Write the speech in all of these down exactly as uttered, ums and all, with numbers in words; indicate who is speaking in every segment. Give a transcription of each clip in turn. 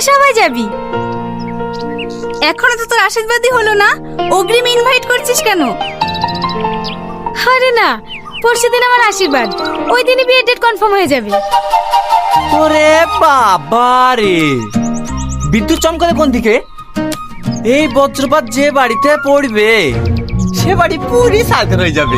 Speaker 1: সবাই যাবি। এখনো তো তোর আশীর্বাদই হলো না, অগ্রিম ইনভাইট করছিস কেন? আরে না, পরশু দিন আমার আশীর্বাদ, ওই দিনই বিয়ের ডেট কনফার্ম হয়ে যাবে।
Speaker 2: ওরে বাবা রে, বিদ্যুৎ চমকালে কোন দিকে? এই বজ্রপাত যে বাড়িতে পড়বে সে বাড়ি পুরি সাথে হয়ে যাবে।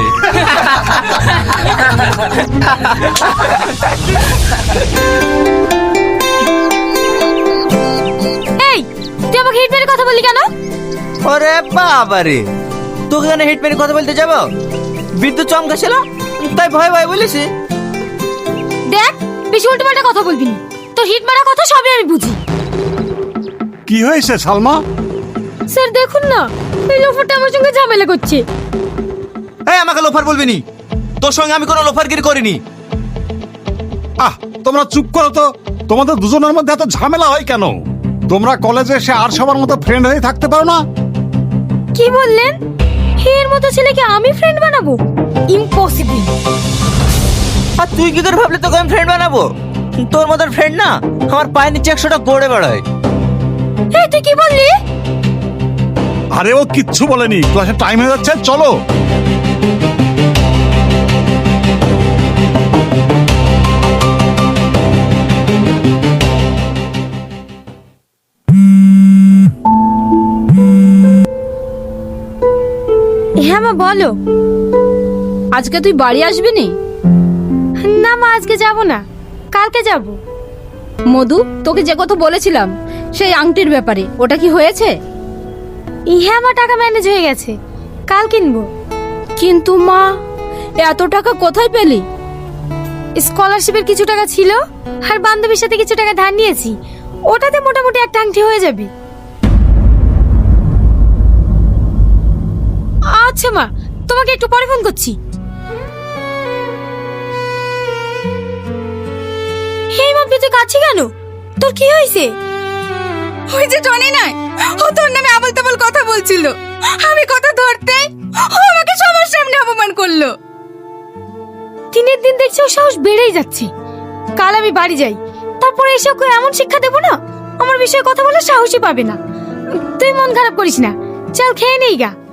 Speaker 1: এই, তুই আমাকে হিট মেরে কথা বললি কেন?
Speaker 2: ওরে বাবা রে, তোকে কেন হিট মেরে কথা বলতে যাব? বিদ্যুৎ চমকাছিল তাই ভয় ভয় বলেছি।
Speaker 1: দেখ, বেশি উল্টো পাল্টা কথা বলবি না, তোর হিট মারা কথা সবই আমি বুঝি।
Speaker 3: কি হয়েছে সালমা?
Speaker 1: স্যার দেখুন না, এই লোফারটা আমার সঙ্গে ঝামেলা করছে।
Speaker 2: এই আমাকে লোফার বলবি নি, তোর সঙ্গে আমি কোনো লোফারগিরি করিনি।
Speaker 3: আহ, তোমরা চুপ করো তো। তোমাদের দুজনের মধ্যে এত ঝামেলা হয় কেন? তোমরা কলেজে এসে আর সবার মতো ফ্রেন্ড হয়ে থাকতে পারো না?
Speaker 1: কি বললেন? এর মতো ছেলেকে আমি ফ্রেন্ড বানাবো? ইম্পসিবল।
Speaker 2: আর তুই কি করে ভাবলি তোকে আমি ফ্রেন্ড বানাবো? তোর মতন ফ্রেন্ড না আমার পায়ের নিচে একশোটা গড়ে বেড়ায়।
Speaker 1: এই তুই কি বললি?
Speaker 3: আরে ও কিচ্ছু বলেনি, ক্লাসে টাইম হয়ে যাচ্ছে, চলো।
Speaker 1: হ্যাঁ মা বলো।
Speaker 4: আজকে তুই বাড়ি আসবি নি?
Speaker 1: না মা, আজকে যাব না, কালকে যাব।
Speaker 4: মধু, তোকে যে কথা বলেছিলাম সেই আংটির ব্যাপারে, ওটা কি হয়েছে?
Speaker 1: হ্যাঁ মা, টাকা ম্যানেজ হয়ে গেছে, কাল কিনবো।
Speaker 4: কিন্তু মা, এত টাকা কোথায় পেলি?
Speaker 1: স্কলারশিপের কিছু টাকা ছিল আর বান্ধবীর সাথে কিছু টাকা ধার নিয়েছি, ওটাতে মোটামুটি একটা আংটি হয়ে যাবে। আচ্ছা মা, তোমাকে একটু পরে ফোন করছি। হে মা, তুই কাছে কেন? তোর কি হয়েছে? ওই যে টনি নাই, ও তোর নামে আবল তাবল কথা বলছিল, আমি কথা ধরতে ও আমাকে সবার সামনে অপমান করলো। দিনের দিন দেখছি ও সাহস বেড়েই যাচ্ছে। কাল আমি বাড়ি যাই, তারপরে এসে ওকে এমন শিক্ষা দেবো না, আমার বিষয়ে কথা বলে সাহসই পাবে না। তুই মন খারাপ করিস না, চল খেয়ে নেই গা।